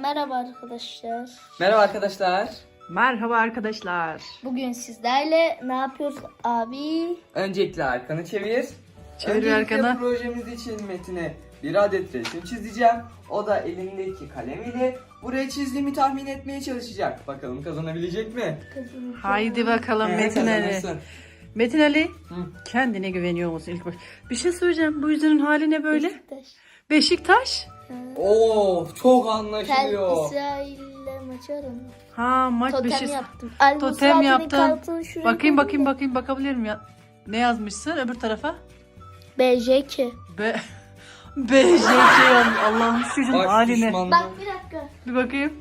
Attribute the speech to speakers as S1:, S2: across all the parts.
S1: Merhaba arkadaşlar.
S2: Merhaba arkadaşlar.
S3: Merhaba arkadaşlar.
S1: Bugün sizlerle ne yapıyoruz abi?
S2: Öncelikle arkanı çevir.
S3: Çevir
S2: Öncelikle
S3: arkana.
S2: projemiz için Metin'e bir adet resim çizeceğim. O da elindeki kalem ile buraya çizdiğimi tahmin etmeye çalışacak. Bakalım kazanabilecek mi?
S3: Haydi bakalım Metin Ali.
S2: Kazanırsın.
S3: Metin Ali,
S2: Hı.
S3: kendine güveniyor musun ilk baş? Bir şey söyleyeceğim. Bu yüzünün hali ne böyle?
S1: Beşiktaş.
S3: Beşiktaş.
S2: Oo, çok
S1: Tel
S2: anlaşılıyor.
S1: İsrail'le maçı aradım.
S3: Ha, maç
S1: Totem
S3: Beşiktaş.
S1: yaptım.
S3: Totem yaptın. Bakayım
S1: bakayım.
S3: bakabilir miyim? Ne yazmışsın öbür tarafa?
S1: BJK.
S3: BJK Allah'ın çocuğun
S2: Bak
S3: haline.
S2: düşmanlar.
S1: Bak bir dakika.
S3: Bir bakayım.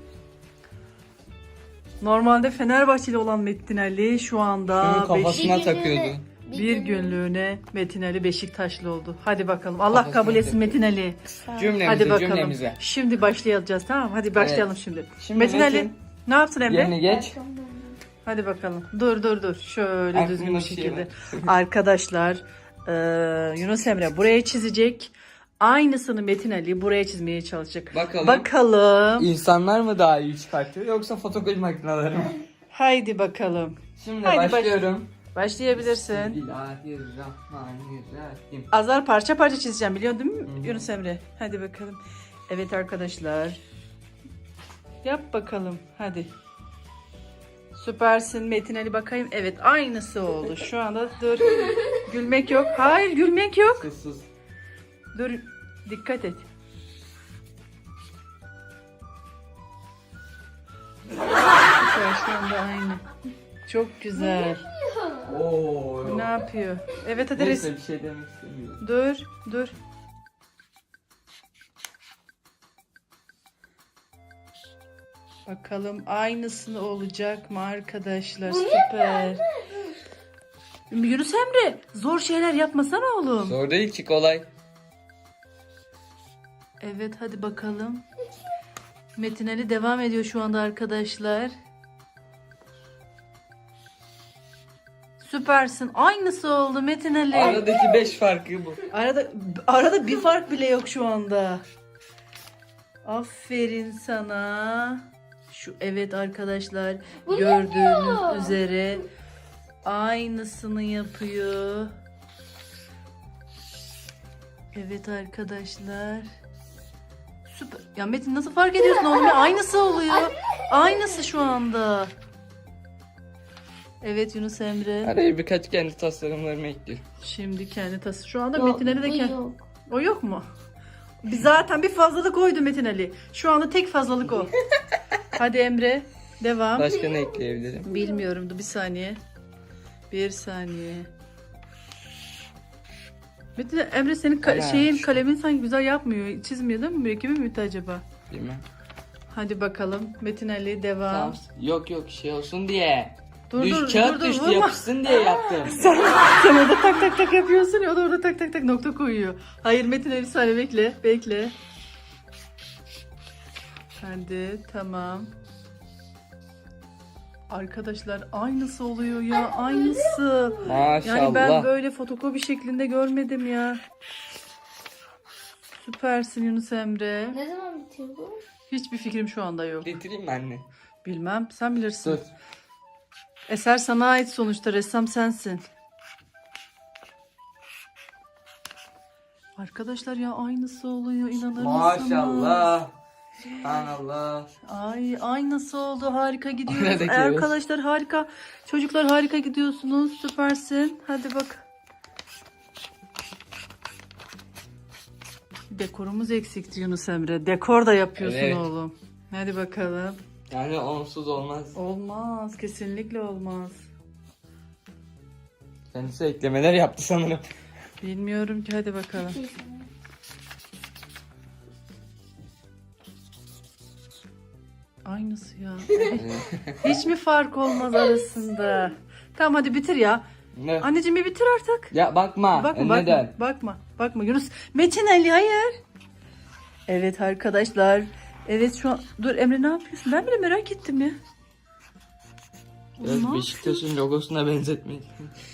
S3: Normalde Fenerbahçeli olan Metin Ali şu anda
S2: Şunun kafasına
S1: Bir
S2: takıyordu.
S1: günlüğüne-
S3: bir günlüğüne Metin Ali Beşiktaşlı oldu. Hadi bakalım. Allah
S2: Kafasına
S3: kabul etsin Metin Ali.
S2: Cümlemize,
S3: Hadi bakalım.
S2: cümlemize.
S3: Şimdi başlayacağız, tamam mı? Hadi başlayalım şimdi.
S2: Şimdi
S3: Metin
S2: Metin,
S3: Ali ne yaptın Emre?
S2: Yerine geç.
S3: Hadi bakalım. Dur. Şöyle
S2: Aklımda
S3: düzgün bir
S2: bir şey
S3: şekilde.
S2: var.
S3: Arkadaşlar Yunus Emre buraya çizecek. Aynısını Metin Ali buraya çizmeye çalışacak. Bakalım.
S2: İnsanlar mı daha iyi çıkartıyor yoksa fotokopi makineleri mi?
S3: Haydi bakalım.
S2: Şimdi
S3: Haydi
S2: başlıyorum.
S3: Başlayabilirsin.
S2: Bismillahirrahmanirrahim.
S3: Azar parça parça çizeceğim, biliyorsun değil mi
S2: Hı hı.
S3: Yunus Emre? Hadi bakalım. Evet arkadaşlar. Yap bakalım hadi. Süpersin Metin Ali, bakayım. Evet, aynısı oldu. Şu anda dur. Gülmek yok. Hayır, gülmek yok.
S2: Sus.
S3: Dur. Dikkat et. Süper, şu anda aynı. Çok güzel.
S2: Oo.
S3: Bu ne yapıyor? Evet hadi
S2: Neyse bir şey demek istemiyorum.
S3: Dur. Bakalım aynısını olacak mı arkadaşlar? Süper. Yunus Emre, zor şeyler yapmasana oğlum.
S2: Zor değil ki, kolay.
S3: Evet hadi bakalım. Metin Ali devam ediyor şu anda arkadaşlar. Süpersin. Aynısı oldu Metin Ali.
S2: Aradaki 5 farkı bu.
S3: Arada bir fark bile yok şu anda. Aferin sana. Evet arkadaşlar, gördüğünüz üzere aynısını yapıyor. Evet arkadaşlar. Süper. Ya Metin, nasıl fark ediyorsun oğlum ya? Aynısı oluyor. Aynısı şu anda. Evet Yunus Emre.
S2: Araya birkaç kendi tasarımlarımı ekliyorum.
S3: Şimdi kendi tası. Şu anda
S1: Yok,
S3: Metin Ali de
S1: bu
S3: kendi.
S1: yok.
S3: O yok mu? Zaten bir fazlalık oydu Metin Ali. Şu anda tek fazlalık o. Hadi Emre, devam.
S2: Başka ne ekleyebilirim?
S3: Bilmiyorum, dur bir saniye. Bir saniye. Metin Emre, senin
S2: Ana.
S3: kalemin sanki güzel yapmıyor. Çizmiyor değil mi? Mürekkebi mi acaba?
S2: Bilmem.
S3: Hadi bakalım. Metin Ali devam.
S2: Tamam. Yok şey olsun diye.
S3: Dur,
S2: Kağıt düştü,
S3: vurma.
S2: yapışsın diye yaptım.
S3: Sen orada tak yapıyorsun ya, o da orada tak nokta koyuyor. Hayır Metin Ali, bir saniye bekle. Hadi tamam. Arkadaşlar aynısı oluyor ya, aynısı.
S2: Maşallah.
S3: Yani ben böyle fotokopi şeklinde görmedim ya. Süpersin Yunus Emre.
S1: Ne zaman bitiyor bu?
S3: Hiçbir fikrim şu anda yok.
S2: Getireyim mi anne?
S3: Bilmem, sen bilirsin.
S2: Dur.
S3: Eser sana ait sonuçta, ressam sensin. Arkadaşlar ya, aynısı oluyor, inanır mısınız?
S2: Maşallah. Subhanallah.
S3: Ay, aynısı oldu, harika gidiyoruz.
S2: Aradaki
S3: Arkadaşlar harika. Çocuklar harika gidiyorsunuz, süpersin. Hadi bak. Dekorumuz eksikti Yunus Emre. Dekor da yapıyorsun
S2: Evet.
S3: oğlum. Hadi bakalım.
S2: Yani onsuz olmaz.
S3: Olmaz, kesinlikle olmaz.
S2: Kendisi eklemeler yaptı sanırım.
S3: Bilmiyorum ki, hadi bakalım. Aynısı ya. Hiç mi fark olmaz arasında? Tamam hadi bitir ya.
S2: Ne?
S3: Anneciğim bir bitir artık.
S2: Ya bakma. Neden?
S3: Bakma Yunus. Metin Ali, hayır. Evet arkadaşlar. Evet şu an. Dur Emre, ne yapıyorsun? Ben bile merak ettim ya.
S2: Biraz
S3: Oğlum,
S2: Beşiktaş'ın logosuna benzetmek.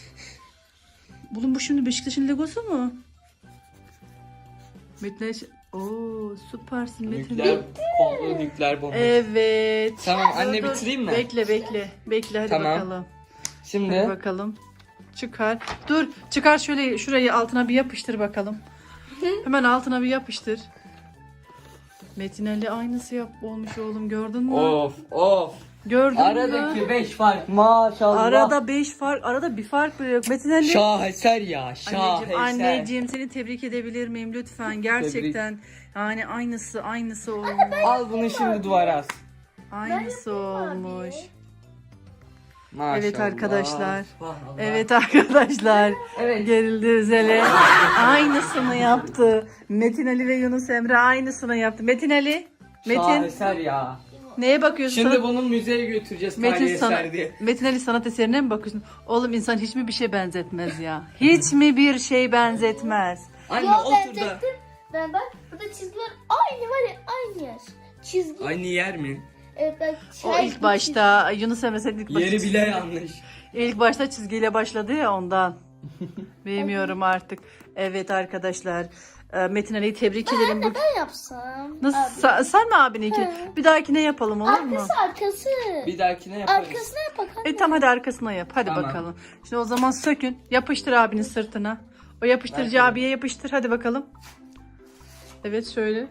S3: Oğlum bu şimdi Beşiktaş'ın logosu mu? Metin Ali... Oo, süpersin Metin.
S2: Nükleer, komplo nükleer bomba.
S3: Evet.
S2: Tamam anne
S3: Dur, dur.
S2: bitireyim mi?
S3: Bekle hadi
S2: Tamam.
S3: bakalım.
S2: Şimdi
S3: Hadi bakalım. Çıkar. Dur, çıkar şöyle şurayı altına bir yapıştır bakalım. Hemen altına bir yapıştır. Metin Ali aynısı olmuş oğlum, gördün mü?
S2: of.
S3: Gördün mü?
S2: Aradaki 5 fark maşallah.
S3: Arada 5 fark, arada bir fark bile yok. Metin Ali.
S2: Şaheser ya, şaheser.
S3: Anneciğim seni tebrik edebilir miyim lütfen? Gerçekten yani aynısı olmuş.
S2: Al bunu şimdi duvara as.
S3: Aynısı olmuş.
S2: Maşallah.
S3: Evet arkadaşlar.
S2: Subhanallah.
S3: Evet arkadaşlar.
S2: Evet.
S3: Gerildi Özel'e. Aynısını yaptı. Metin Ali ve Yunus Emre aynısını yaptı. Metin Ali. Metin.
S2: Şaheser ya.
S3: Neye bakıyorsun?
S2: Şimdi bunu müzeye götüreceğiz
S3: Metin,
S2: tarihi eser diye.
S3: Metin Ali sanat eserine mi bakıyorsun? Oğlum insan hiç mi bir şey benzetmez ya? Hiç mi bir şey benzetmez?
S2: Anne
S1: Yo,
S2: otur da.
S1: Ben bak burada çizgiler aynı var ya aynı yer. Çizgi.
S2: Aynı yer mi?
S1: Evet bak.
S3: O ilk başta Yunus Emre sen ilk başta
S2: Yeri bile yanlış.
S3: İlk başta çizgiyle başladı ya ondan. Bilmiyorum artık. Evet arkadaşlar. Metin Ali'yi tebrik ederim.
S1: Ben yapsam.
S3: Nasıl?
S1: Abi.
S3: Sen mi abininkini? Bir dahakine yapalım olur mu?
S1: Arkası.
S2: Bir dahakine yaparız.
S1: Arkasına yap bakalım.
S3: Tamam hadi arkasına yap. Hadi
S2: Tamam.
S3: bakalım. Şimdi o zaman sökün. Yapıştır abinin sırtına. O yapıştırıcı
S2: Ver.
S3: abiye yapıştır. Hadi bakalım. Evet şöyle.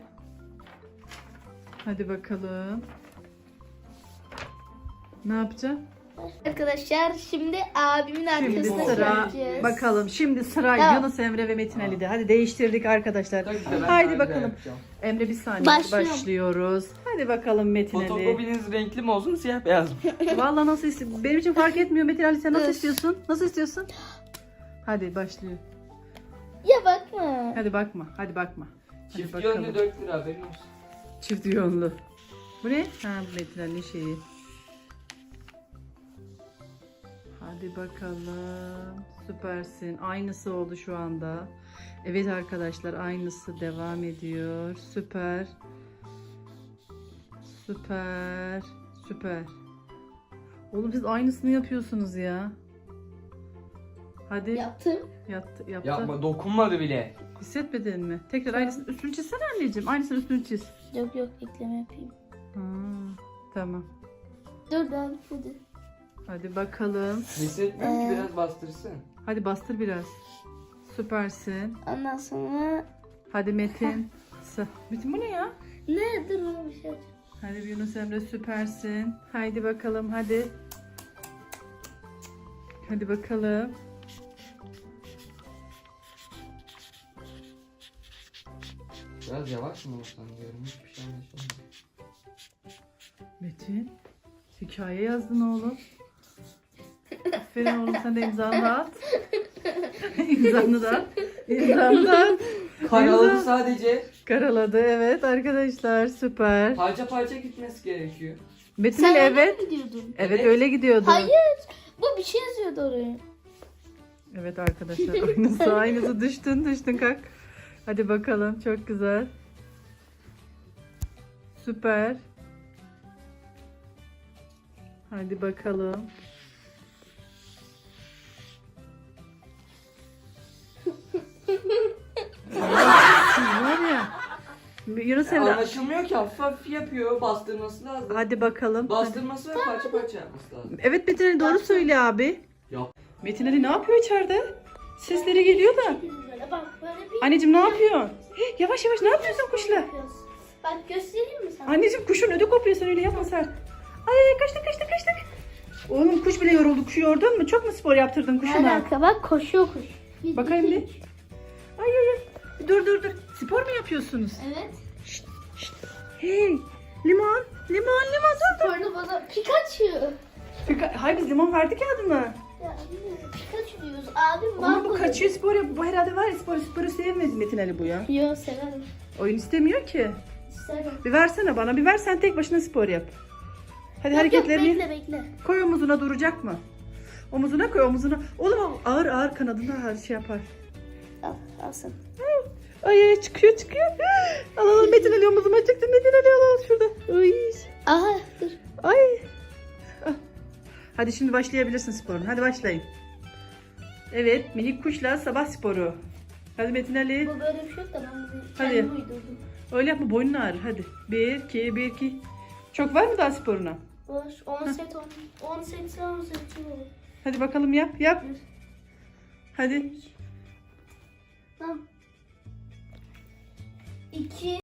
S3: Hadi bakalım. Ne yapacağım?
S1: Arkadaşlar şimdi abimin
S3: Şimdi
S1: arkasına
S3: sıra
S1: yapacağız.
S3: bakalım. Şimdi sıra
S1: Tamam.
S3: Yunus Emre ve Metin Ali'de. Hadi değiştirdik arkadaşlar.
S2: Tabii ki de ben
S3: Haydi
S2: daha
S3: bakalım.
S2: güzel yapacağım.
S3: Emre bir saniye
S1: Başlıyorum.
S3: başlıyoruz. Hadi bakalım Metin Ali.
S2: Fotokopiniz renkli mi olsun siyah beyaz mı?
S3: Vallahi nasıl istiyorsun? Benim için fark etmiyor Metin Ali, sen nasıl
S1: Öf.
S3: istiyorsun? Nasıl istiyorsun? Hadi başlıyor.
S1: Ya bakma.
S3: Hadi bakma. Hadi bakma. Hadi
S2: Çift
S3: bakalım.
S2: yönlü 4 lira haberin olsun.
S3: Çift yönlü. Bu ne? Ha Metin Ali şeyi. Hadi bakalım. Süpersin. Aynısı oldu şu anda. Evet arkadaşlar aynısı devam ediyor. Süper. Süper. Oğlum siz aynısını yapıyorsunuz ya. Hadi.
S1: Yaptım.
S3: Yaptı.
S2: Yapma dokunmadı bile.
S3: Hissetmedin mi? Tekrar aynısını üstünü çizsene anneciğim. Aynısını üstünü çiz.
S1: Yok ekleme yapayım.
S3: Ha, tamam.
S1: Dur ben hadi.
S3: Hadi bakalım.
S2: Hissetmiyorum ki biraz bastırsın.
S3: Hadi bastır biraz. Süpersin.
S1: Ondan sonra
S3: Hadi Metin. Metin bu ne ya?
S1: ne dur ona bir şey yapacağım.
S3: Hadi Yunus Emre süpersin. Haydi bakalım hadi. Hadi bakalım.
S2: Biraz yavaş mı olsan diyorum. Hiçbir şey anlaşılmıyor.
S3: Metin. Hikaye yazdın oğlum. Aferin oğlum, sen de imzanı at. İmzanı da at. İmzanı da at.
S2: Karaladı sadece.
S3: Karaladı evet arkadaşlar süper.
S2: Parça parça gitmesi gerekiyor.
S3: Metin
S1: Sen
S3: Ali
S1: öyle
S3: evet.
S1: mi gidiyordun?
S3: Evet
S2: Evet.
S3: öyle gidiyordu.
S1: Hayır. Bu bir şey yazıyordu oraya.
S3: Evet arkadaşlar aynısı düştün kalk. Hadi bakalım çok güzel. Süper. Hadi bakalım. Var ya. Yunus Emre.
S2: Anlaşılmıyor ki hafif hafif yapıyor. Bastırması lazım.
S3: Hadi bakalım.
S2: Bastırması ve parça parça yapması lazım.
S3: Evet Metin Ali doğru söyle abi.
S2: Yok.
S3: Metin Ali ne yapıyor içeride? Sesleri geliyor da.
S1: Böyle bak böyle bir.
S3: Anneciğim ne yapıyorsun? Yavaş ne yapıyorsun kuşla?
S1: Bak göstereyim mi sana?
S3: Anneciğim kuşun ödü kopuyor, sen öyle yapma sen. Ay kaçtık. Oğlum kuş bile yoruldu. Kuşu yordun mu? Çok mu spor yaptırdın kuşuna?
S1: Alaka bak koşuyor kuş.
S3: Bakayım bir. Ay. Dur. Spor mu yapıyorsunuz?
S1: Evet.
S3: Hey. Limon dur.
S1: Sporunu bana Pikachu.
S3: Hayır biz limon verdik ya adına.
S1: Ya bilmiyorum, Pikachu diyoruz. Abim
S3: Ama bu
S1: Marco
S3: kaçıyor spor yapıyor. Bu herhalde var ya sporu sevmedi Metin Ali bu ya.
S1: diyor. Yo severim.
S3: Oyun istemiyor ki.
S1: İsterim.
S3: Bir versene bana. Bir ver sen tek başına spor yap. Hadi
S1: Yok,
S3: hareketlerini
S1: bekle.
S3: koy omuzuna, duracak mı? Omuzuna koy omuzuna. Oğlum ağır kanadına her şey yapar.
S1: Al sen.
S3: Ay çıkıyor. Al Metin Ali omuzuma çıktı. Metin Ali al şurada. Ay.
S1: Aha dur.
S3: Ay. Ah. Hadi şimdi başlayabilirsin sporun. Hadi başlayın. Evet minik kuşla sabah sporu. Hadi Metin Ali.
S1: Bu böyle bir şey yok da ben bunu
S3: Hadi.
S1: kendim uydurdum.
S3: Öyle yapma, boynun ağrır. Hadi. 1, 2, 1, 2. Çok var mı daha sporuna?
S1: Var. 10 set 10 set 10 set.
S3: Hadi bakalım yap. Yap. Hadi.
S1: Tamam. 2